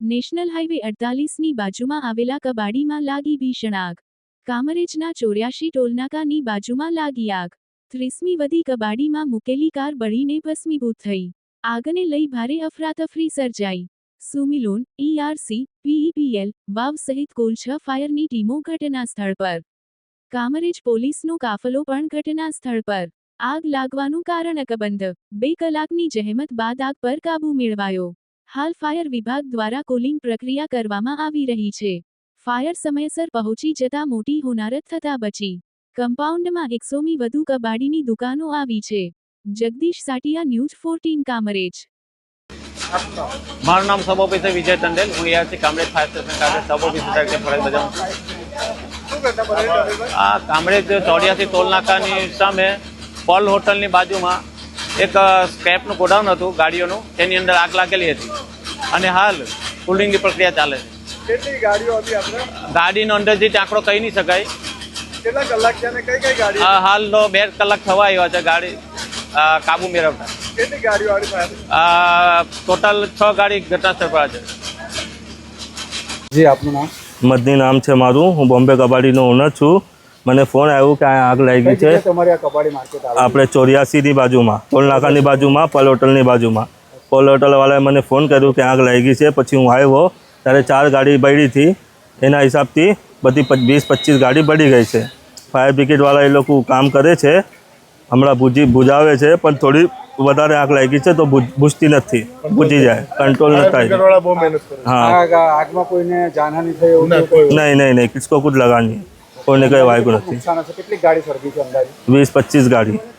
National highway 48ની બાજુમાં આવેલા કબાડીમાં લાગી ભીષણ આગ। કામરેજના 84 ટોલનાકાની બાજુમાં લાગી આગ। 30મી વધી કબાડીમાં મૂકેલી કાર બળીને ભસ્મીભૂત થઈ। આગને લઈ ભારે અફરાતફરી સર્જાઈ। સુમિલોન, ERC, PEPL, વાવ સહિત કુલ 6 ફાયરની ટીમો ઘટનાસ્થળ પર। કામરેજ પોલીસનો કાફલો પણ ઘટનાસ્થળ પર। આગ લાગવાનું કારણ અકબંધ। 2 કલાકની જહેમત બાદ આગ પર કાબૂ મેળવાયો। હાલ ફાયર વિભાગ દ્વારા કુલિંગ પ્રક્રિયા કરવામાં આવી રહી છે। ફાયર સમયસર પહોંચી જતા મોટી હોનારત થતા બચી। કમ્પાઉન્ડમાં 100મી વધુ કબાડીની દુકાનો આવી છે। જગદીશ સાટિયા, ન્યૂઝ 14 કામરેજ। મારું નામ સબ ઓફિસર વિજય ટંડેલ। હું અહીંયાથી કામરેજ ફાયર સ્ટેશન ખાતે સબ ઓફિસર તરીકે ફરજ બજાવું છું। આ કામરેજ 84 ટોલનાકાની સામે પલ હોટલની બાજુમાં એક સ્ક્રેપનું ગોડાઉન હતું ગાડીઓનું, તેની અંદર આગ લાગેલી હતી અને હાલ કુલિંગની પ્રક્રિયા ચાલે છે। કેટલી ગાડીઓ હતી આપણે? ગાડીનો અંદાજિત આંકડો કહી નહીં શકાય। કેટલા કલાક છે અને કઈ કઈ ગાડી? હાલ 2 કલાક થવા આવ્યા છે ગાડી કાબુ મેળવતા। કેટલી ગાડીઓ આવી પાસે? ટોટલ 6 ગાડી ઘટનાસ્થળ પર છે। જી, આપનું નામ? મદની નામ છે મારું। હું બોમ્બે કબાડીનો ઓનર છું। મને ફોન આવ્યો કે આ આગ લાગી છે તમારી આ કબાડી માર્કેટ આપણે 84ની બાજુમાં, ટોલનાકાની બાજુમાં, પલ હોટલની બાજુમાં। પલ હોટલવાળાએ મને ફોન કર્યો કે આગ લાગી છે। પછી હું આવ્યો ત્યારે 4 ગાડી બળી હતી। એના હિસાબથી બધી 20-25 ગાડી બળી ગઈ છે। ફાયર બ્રિગેડવાળા એ લોકો કામ કરે છે, હમણાં બુજાવે છે, પણ થોડી વધારે આગ લાગી છે તો બુજતી નથી, બુજી જાય, કંટ્રોલ ન થાય। હા, આગમાં કોઈને જાનહાનિ થઈ એવું નહીં, કિસકો કુછ લગા નહીં, કોઈને કંઈ વાગ્યું નથી। કેટલી ગાડી સળગી છે અંદાજે? 20-25 ગાડી।